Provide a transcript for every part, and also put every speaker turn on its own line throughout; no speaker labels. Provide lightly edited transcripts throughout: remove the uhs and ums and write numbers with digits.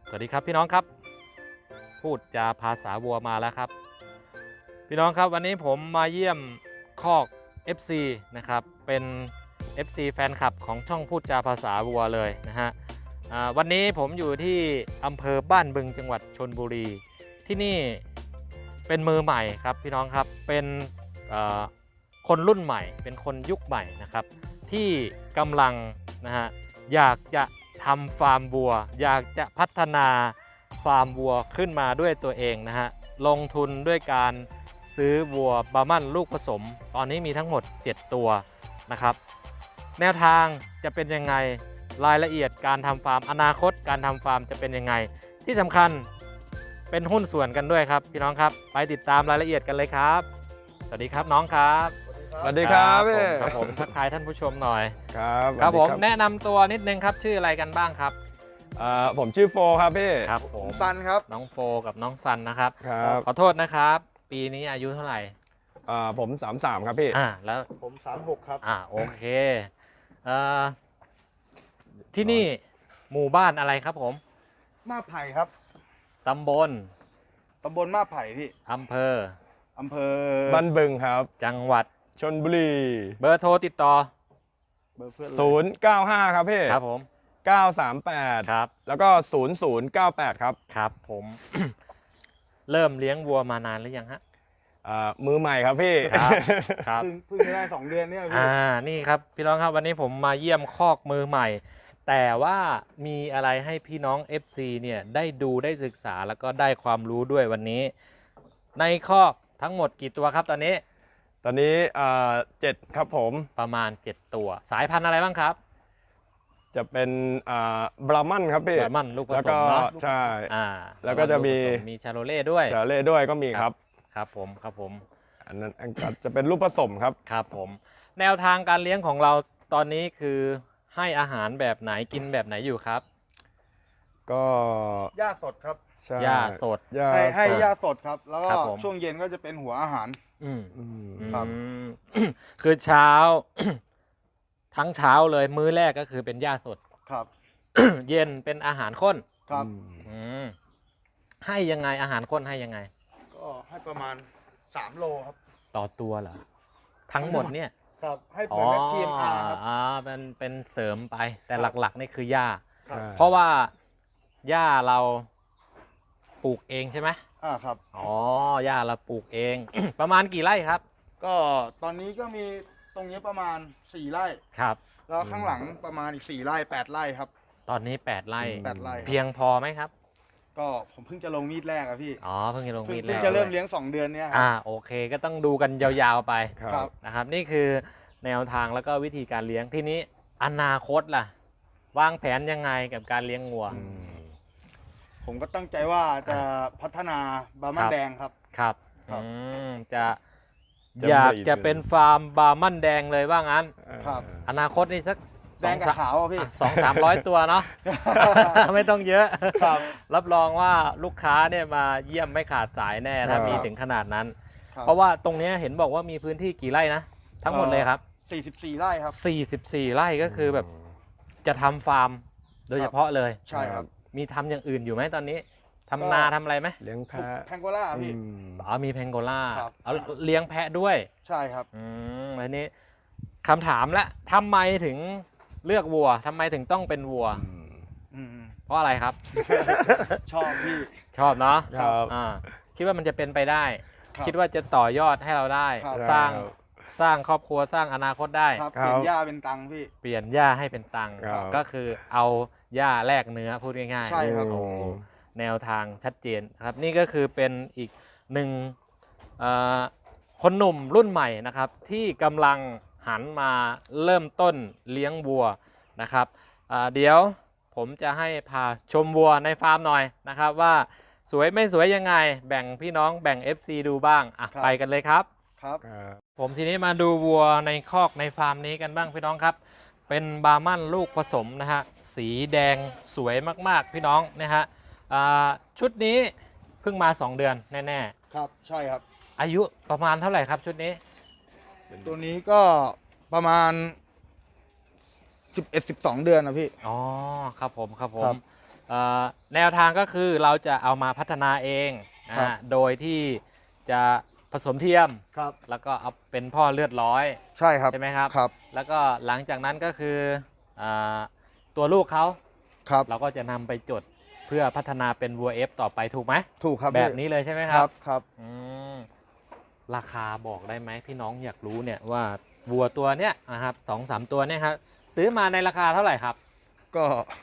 สวัสดีครับพี่น้องครับพูดจาภาษาวัวมาแล้วครับพี่น้องครับวันนี้ผมมาเยี่ยมคอก FC นะครับเป็น FC แฟนคลับของช่องพูดจาภาษาวัวเลยนะฮะวันนี้ผมอยู่ที่อำเภอบ้านบึงจังหวัดชลบุรีที่นี่เป็นมือใหม่ครับพี่น้องครับเป็นคนรุ่นใหม่เป็นคนยุคใหม่นะครับที่กำลังนะฮะอยากจะทำฟาร์มวัวอยากจะพัฒนาฟาร์มวัวขึ้นมาด้วยตัวเองนะฮะลงทุนด้วยการซื้อวัวบาร์มันลูกผสมตอนนี้มีทั้งหมด7ตัวนะครับแนวทางจะเป็นยังไงรายละเอียดการทำฟาร์มอนาคตการทำฟาร์มจะเป็นยังไงที่สำคัญเป็นหุ้นส่วนกันด้วยครับพี่น้องครับไปติดตามรายละเอียดกันเลยครับสวัสดีครับน้องครับ
สวัสดีครับพี่
ครับผมทักทายท่านผู้ชมหน่อย
ครับ
ผมแนะนำตัวนิดนึงครับชื่ออะไรกันบ้างครับ
ผมชื่อโฟครับพี่
ครับผม
ซันครับ
น้องโฟกับน้องซันนะครับ
ครับ
ขอโทษนะครับปีนี้อายุเท่าไหร่
ผม33ครับพี่
แล้ว
ผม36ครับ
โอเคที่นี่หมู่บ้านอะไรครับผม
มาไผ่ครับ
ตำบล
มาไผ่พี่
อำเภอ
บ้านบึงครับ
จังหวัด
ชลบุรี
เบอร์โทรติดต่อ
เบอร์เพื่อน
095ครับพี่
ครับผม
938
ครับ
แล้วก็0098ครับ
ครับผม เริ่มเลี้ยงวัวมานานหรือยังฮะ
มือใหม่ครับพี่
ครับ
เพิ่งได้2 เดือนเนี่ยพี่
นี่ครับพี่น้องครับวันนี้ผมมาเยี่ยมคอกมือใหม่แต่ว่ามีอะไรให้พี่น้อง FC เนี่ยได้ดูได้ศึกษาแล้วก็ได้ความรู้ด้วยวันนี้ในคอกทั้งหมดกี่ตัวครับตอนนี้
7ครับผม
ประมาณ7ตัวสายพันธุ์อะไรบ้างครับ
จะเป็นบรามันครับพี่
บรามันลูกผสม
เนาะ
เนาะ
ใช่แล้วก็จะมี
ชาโรเล่ด้วย
ก็มีครับ
ครับผม
อันนั้นจะเป็นลูกผสมครับ
ครับผมแนวทางการเลี้ยงของเราตอนนี้คือให้อาหารแบบไหนกินแบบไหนอยู่ครับ
ก็
หญ้าสดครับ
หญ้าสด
ให้หญ้าสดครับแล้วก็ช่วงเย็นก็จะเป็นหัวอาหาร
ครับคือเช้า ทั้งเช้าเลยมื้อแรกก็คือเป็นหญ้าสด
ครับ
เย็นเป็นอาหารข้น
ครับ
ให้ยังไงอาหารข้นให้ยังไง
ก็ให้ประมาณ3 โลครับ
ต่อตัวเหรอทั้งหมดเนี่ย
ครับให้เหมือนกับ TMR ครับ
เป็นเสริมไปแต่หลักๆนี่คือหญ้าเพราะว่าหญ้าเราปลูกเองใช่ไหม
ครับ
หญ้าเราปลูกเอง ประมาณกี่ไร่ครับ
ก็ตอนนี้ก็มีตรงนี้ประมาณ4 ไร่
ครับ
แล้วข้างหลังประมาณอีก4 ไร่8 ไร่ครับ
ตอนนี้8 ไร่เพียงพอไหมครับ
ก็ผมเพิ่งจะลงมีดแรกอะพี่
เพิ่งจะลงมีดแรก
เพิ่งจะเริ่มเลี้ยง2 เดือนเนี่ย
โอเคก็ต้องดูกันยาวๆไป
ครับ
นะครับนี่คือแนวทางแล้วก็วิธีการเลี้ยงที่นี้อนาคตล่ะวางแผนยังไงกับการเลี้ยงวัว
ผมก็ตั้งใจว่าจะพัฒนาบาร์มันแดงครับ
ครับอยากจะเป็นฟาร์มบาร์มันแดงเลยว่างั้น
ครับ
อนาคตนี่สัก
แดงกับขาวพี่
200-300 ตัวเนาะ ไม่ต้องเยอะ
ครับ
รับรองว่าลูกค้าเนี่ยมาเยี่ยมไม่ขาดสายแน่ถ้ามีถึงขนาดนั้น เพราะว่าตรงนี้เห็นบอกว่ามีพื้นที่กี่ไร่นะทั้งหมดเลยครับ
44 ไร่ครับ
44 ไร่ก็คือแบบจะทำฟาร์มโดยเฉพาะเลย
ใช่ครับ
มีทำอย่างอื่นอยู่ไหมตอนนี้ทำนาทำอะไรไหม
เลี้ยงแพะ
แพงโกล่าพี่
มีแพงโกล่าเลี้ยงแพะด้วย
ใช่ครับ
อันนี้คำถามละทำไมถึงเลือกวัวทำไมถึงต้องเป็นวัวเพราะอะไรครับ
ชอบพี่
ชอบเนาะคิดว่ามันจะเป็นไปได้คิดว่าจะต่อยอดให้เราได้สร้างครอบครัวสร้างอนาคตได้
เปลี่ยนหญ้าเป็นตังค์พี่
เปลี่ยนหญ้าให้เป็นตังค์ก็คือเอาหญ้าแลกเนื้อพูดง่ายๆ
ใช่ครับ
แนวทางชัดเจนครับนี่ก็คือเป็นอีกหนึ่งคนหนุ่มรุ่นใหม่นะครับที่กำลังหันมาเริ่มต้นเลี้ยงวัวนะครับเดี๋ยวผมจะให้พาชมวัวในฟาร์มหน่อยนะครับว่าสวยไม่สวยยังไงแบ่งพี่น้องแบ่ง FC ดูบ้างไปกันเลยครับผมทีนี้มาดูวัวในคอกในฟาร์มนี้กันบ้างพี่น้องครับเป็นบาร์มันลูกผสมนะฮะสีแดงสวยมากๆพี่น้องนะฮะชุดนี้เพิ่งมา2 เดือนแน่
ๆครับใช่ครับ
อายุประมาณเท่าไหร่ครับชุดนี้
ตัวนี้ก็ประมาณ11-12 เดือนนะพี่
ครับผมแนวทางก็คือเราจะเอามาพัฒนาเองนะฮะโดยที่จะผสมเทียม
ครับ
แล้วก็เอาเป็นพ่อเลือดร้อย
ใช่ครับ
ใช่ไหมครับ
ครับ
แล้วก็หลังจากนั้นก็คืออาตัวลูกเขา
ครับ
เราก็จะนำไปจดเพื่อพัฒนาเป็นวัว F ต่อไปถูกไหม
ถูกครับ
แบบ
พี่
นี้เลยใช่ไหมค
ค
รั
รับ บครับ
อืมราคาบอกได้ไหมพี่น้องอยากรู้เนี่ยว่าวัวตัวเนี้ยนะครับ2-3 ตัวเนี่ยครับซื้อมาในราคาเท่าไหร่ครับ
ก็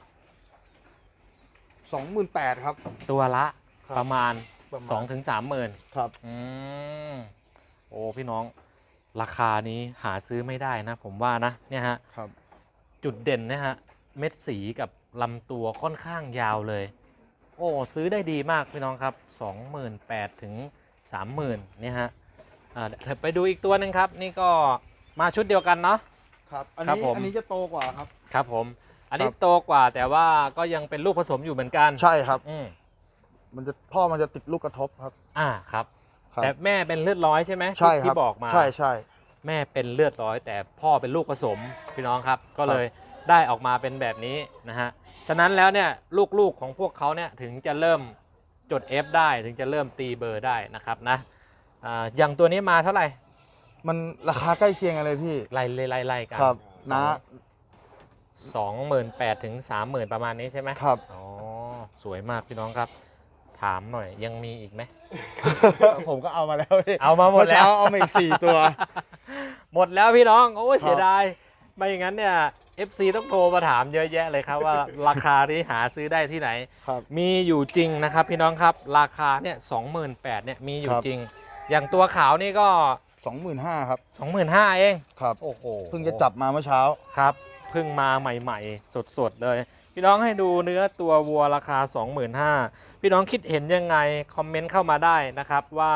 28,000ครับ
ตัวละ
ครับ
ประมาณ
ประมาณ
2-3หมื่น
ครับ
อืมโอ้พี่น้องราคานี้หาซื้อไม่ได้นะผมว่านะเนี่ยฮะ
ครับ
จุดเด่นนะฮะเม็ดสีกับลำตัวค่อนข้างยาวเลย โอ้ซื้อได้ดีมากพี่น้องครับ 28,000 ถึง 30,000เนี่ยฮะเดี๋ยวไปดูอีกตัวหนึ่งครับ นี่ก็มาชุดเดียวกันเนาะ
ครับ อัน
ครับ
นี้
ผม
อันนี้จะโตกว่าครับ
ครับผม อันนี้
ครับ
โตกว่าแต่ว่าก็ยังเป็นลูกผสมอยู่เหมือนกัน
ใช่ครับ
อืม
พ่อมันจะติดลูกกระทบครับ
ครับ
ครับ
แต่แม่เป็นเลือดร้อยใช่ไหม
ใช่ครับ
ที่บอกมา
ใช่ใช่
แม่เป็นเลือดร้อยแต่พ่อเป็นลูกผสมพี่น้องครับ ก็เลยได้ออกมาเป็นแบบนี้นะฮะฉะนั้นแล้วเนี่ยลูกๆของพวกเขาเนี่ยถึงจะเริ่มจด F ได้ถึงจะเริ่มตีเบอร์ได้นะครับนะอย่างตัวนี้มาเท่าไหร่
มันราคาใกล้เคียงกันเลยพี่
ไล่กัน
ครับ
สอง
นะ
28,000 ถึง 30,000 ประมาณนี้ใช่ไหม
ครับ
อ๋อสวยมากพี่น้องครับ ถามหน่อยยังมีอีกไหม
ผมก็เอามาแล้วพี่
เอามาหมด
เมื่อ
แล้
เช้าว เอามาอีก 4 ตัว
หมดแล้วพี่น้องโอ้ย
ครับ
เสียดายไม่อย่างนั้นเนี่ย FC ต้องโทรมาถามเยอะแยะเลยครับว่า ราคาที่หาซื้อได้ที่ไหน
ครับ
มีอยู่จริงนะครับพี่น้องครับราคาเนี่ย28,000เนี่ยมีอยู่
ครับ
จริง อย่างตัวขาวนี่ก็
25,000ครับ
25,000เอง
ครับ
โอ้โห
เพิ่งจะจับมาเมื่อเช้า
ครับเพิ่งมาใหม่ๆ สดๆเลย พี่น้องให้ดูเนื้อตัววัวราคา 25,000พี่น้องคิดเห็นยังไงคอมเมนต์เข้ามาได้นะครับว่า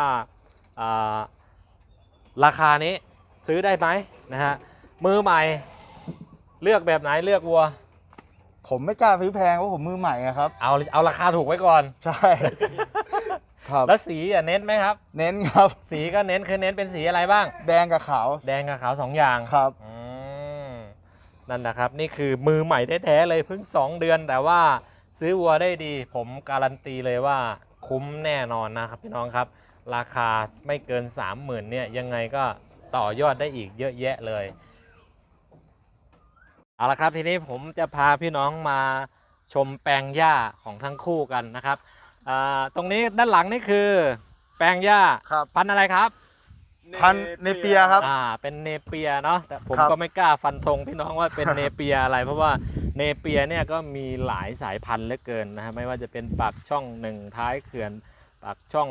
ราคานี้ซื้อได้ไหมนะฮะมือใหม่เลือกแบบไหนเลือกวัว
ผมไม่กล้าซื้อแพงเพราะผมมือใหม่อะครับ
เอาราคาถูกไว้ก่อน
ใช่ ครับ
แล้วสีเน้นไหมครับ
เน้นครับ
สีก็เน้นคือเน้นเป็นสีอะไรบ้าง
แดงกับขาว
แดงกับขาว2อย่าง
ครับ
อืมนั่นนะครับนี่คือมือใหม่แท้ๆเลยเพิ่ง2 เดือน แต่ว่าซื้อวัวได้ดี ผมการันตีเลยว่าคุ้มแน่นอนนะครับพี่น้องครับ ราคาไม่เกิน 30,000เนี่ยยังไงก็ต่อยอดได้อีกเยอะแยะเลยเอาละครับทีนี้ผมจะพาพี่น้องมาชมแปลงหญ้าของทั้งคู่กันนะครับตรงนี้ด้านหลังนี่คือแปลงหญ้า
ครับ
พันธุ์อะไรครับ
พันเนเปียครับ
เป็นเนเปียเนาะแต่ผม
ครับ
ก็ไม่กล้าฟันธงพี่น้องว่าเป็นเนเปียอะไร เพราะว่าเนเปียเนี่ยก็มีหลายสายพันธุ์เหลือเกินนะฮะไม่ว่าจะเป็นปากช่อง1ท้ายเขื่อนปากช่อง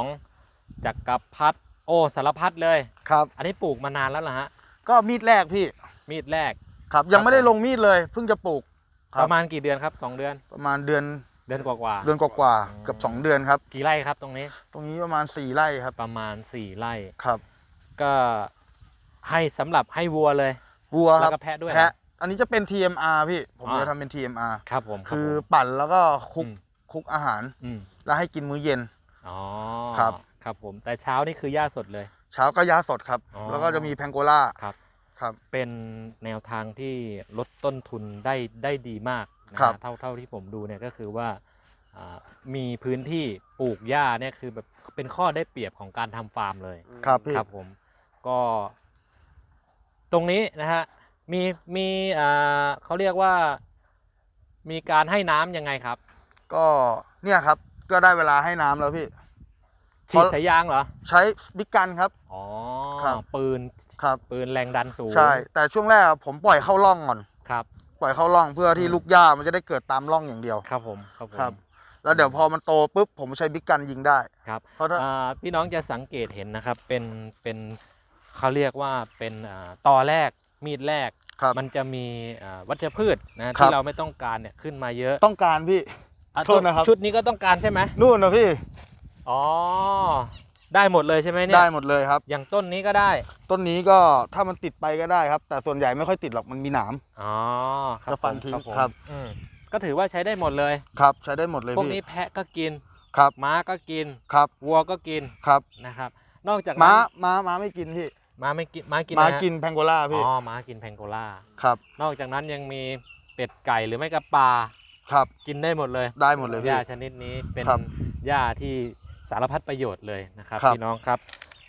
2จักรพรรดิโอ้สารพัดเลย
ครับ
อันนี้ปลูกมานานแล้วเหรอฮะ
ก็มีดแรกพี่
มีดแรก
ครับ ยังไม่ได้ลงมีดเลย เพิ่งจะปลูกค
ป
รับ
ระมาณกี่เดือนครับ2 เดือน
ประมาณเดือน
เดือนกว่า
เดือนกว่าๆเกือบ2 เดือนครับ
ๆกี่ไร่ครับตรงนี้
ตรงนี้ประมาณ4 ไร่ครับ
ประมาณ4 ไร่
ครับ
ก็ให้สำหรับให้วัวเลย
วัวค
แล้
รับ
วก็แพะด้วย
แพะอันนี้จะเป็น TMR พี่ ผม
อ๋อ
จะทำเป็น TMR
ครับผมรับ
คือ
ผม
ปั่นแล้วก็คลุก
อืม
คลุกอาหาร
อืม
แล้วให้กินมื้อเย็น
อ๋อ
ครับ
ครับผมแต่เช้านี่คือหญ้าสดเลย
เช้าก็ยาสดครับ
อ๋อ
แล้วก็จะมีแพงโกล่า
ครับ
ครับ
เป็นแนวทางที่ลดต้นทุนได้ดีมากนะครับ เท่าที่ผมดูเนี่ยก็คือว่ามีพื้นที่ปลูกหญ้าเนี่ยคือแบบเป็นข้อได้เปรียบของการทำฟาร์มเลย
ครับพี่
ครับผมก็ตรงนี้นะฮะมีเขาเรียกว่ามีการให้น้ำยังไงครับ
ก็เนี่ยครับ ก็ได้เวลาให้น้ำแล้วพี่
ฉีดสายยางเหรอ
ใช้บิ๊กกันครับ
อ๋อ
ครับ
ปืน
ครับ
แรงดันสูง
ใช่ แต่ช่วงแรกผมปล่อยเข้าร่องก่อน
ครับ
ปล่อยเข้าร่องเพื่อที่ลูกหญ้ามันจะได้เกิดตามร่องอย่างเดียว
ครับผมครับผม
ครับ แล้วเดี๋ยวพอมันโตปุ๊บผมใช้บิ๊กกันยิงได้
ครับ
เพราะถ้า
พี่น้องจะสังเกตเห็นนะครับเป็นเขาเรียกว่าเป็นตอแรกมีดแรก
ครับ
มันจะมีวัชพืชนะ
ครั
ที่
บ
เราไม่ต้องการเนี่ยขึ้นมาเยอะ
ต้องการพี่
อ่ะ
โทษนะครับ
ชุดนี้ก็ต้องการใช่ไหม
นู่นนะพี่
อ๋อได้หมดเลยใช่ไหมเนี่ย
ได้หมดเลยครับ
อย่างต้นนี้ก็ได้
ต้นนี้ก็ถ้ามันติดไปก็ได้ครับ แต่ส่วนใหญ่ไม่ค่อยติดหรอกมันมีหนาม
อ๋อครับ
จะฟัน
ผม
ทิ้ง
ผม
ครับ
อืมก็ถือว่าใช้ได้หมดเลย
ครับ ใช้ได้หมดเลย
พวก
พี่
นี้แพะก็กิน
ครับ
ม้าก็กิน
ครับ
วัวก็กิน
ครับ
นะครับ นอกจาก
ม้า
นั้น
ม้าไม่กินพี่
ม้าไม่กินม้ากิน
ม้า
อะไรฮะ
กินแพงโกล่าพี่
อ๋อม้ากินแพงโกล่า
ครับ
นอกจากนั้นยังมีเป็ดไก่หรือไม่ก็ปลา
ครับ
กินได้หมดเลย
ได้หมดเลย
ห
พี่
ญ้าชนิดนี้เป็น
ครับ
หญ้าที่สารพัดประโยชน์เลยนะครับ
ครับ
พี่น้องครับ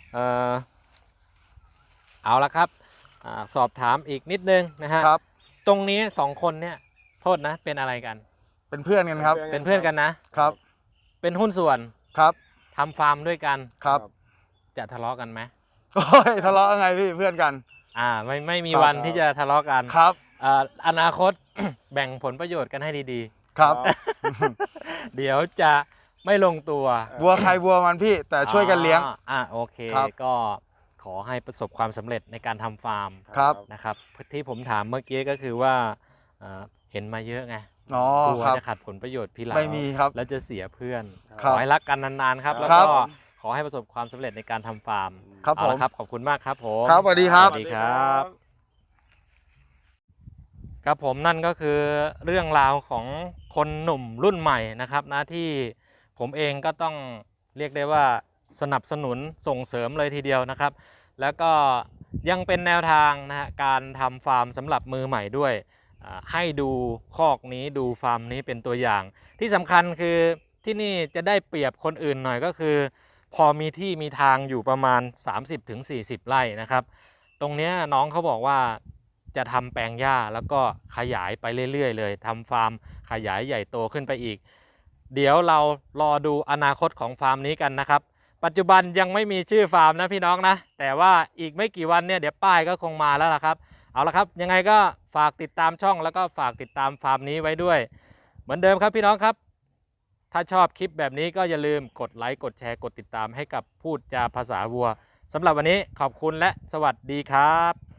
เอาละครับสอบถามอีกนิดนึงนะฮะ
ครับ
ตรงนี้2คนเนี่ยโทษนะเป็นอะไรกัน
เป็นเพื่อนกันครับ
เป็นเพื่อนกันนะ
ครับ
เป็นหุ้นส่วน
ครับ
ทำฟาร์มด้วยกัน
ครับ
จะทะเลาะกันไหม
โอ้ยทะเลาะยังไงพี่เพื่อนกัน
ไม่มี
ครับ
วันที่จะทะเลาะกัน
ครับ
อนาคต แบ่งผลประโยชน์กันให้ดี
ครับ
ๆ เดี๋ยวจะไม่ลงตัว
วัวใครวัวมันพี่แต่ช่วยกันเลี้ยง
โอเค
ครับ
ก็ขอให้ประสบความสำเร็จในการทำฟาร์ม
ครับ
นะครับที่ผมถามเมื่อกี้ก็คือว่าเห็นมาเยอะไง
อ๋อก
ลัว
ครับ
จะขัดผลประโยชน์พี่หลัง
ไม่มีครับ
แล้วจะเสียเพื่อน
ค
ข
รับ
อให้รักกันนานๆครับ แล้ว
ครั
ก็
บ
ขอให้ประสบความสำเร็จในการทำฟาร์ม
ครับ
เอา
ผม
ละครับขอบคุณมากครับผม
ครับสวัสดีครับ
สวัสดีครับ ครับผมนั่นก็คือเรื่องราวของคนหนุ่มรุ่นใหม่นะครับนะที่ผมเองก็ต้องเรียกได้ว่าสนับสนุนส่งเสริมเลยทีเดียวนะครับ แล้วก็ยังเป็นแนวทางนะฮะการทำฟาร์มสำหรับมือใหม่ด้วยให้ดูคอกนี้ดูฟาร์มนี้เป็นตัวอย่าง ที่สำคัญคือที่นี่จะได้เปรียบคนอื่นหน่อยก็คือ พอมีที่มีทางอยู่ประมาณ 30-40 ไร่นะครับ ตรงเนี้ยน้องเขาบอกว่าจะทำแปลงหญ้าแล้วก็ขยายไปเรื่อยๆเลยทำฟาร์มขยายใหญ่โตขึ้นไปอีก เดี๋ยวเรารอดูอนาคตของฟาร์มนี้กันนะครับ ปัจจุบันยังไม่มีชื่อฟาร์มนะพี่น้องนะแต่ว่าอีกไม่กี่วันเนี่ยเดี๋ยวป้ายก็คงมาแล้วล่ะครับเอาละครับยังไงก็ฝากติดตามช่องแล้วก็ฝากติดตามฟาร์มนี้ไว้ด้วย เหมือนเดิมครับพี่น้องครับ ถ้าชอบคลิปแบบนี้ก็อย่าลืมกดไลค์กดแชร์กดติดตามให้กับพูดจาภาษาวัวสำหรับวันนี้ขอบคุณและสวัสดีครับ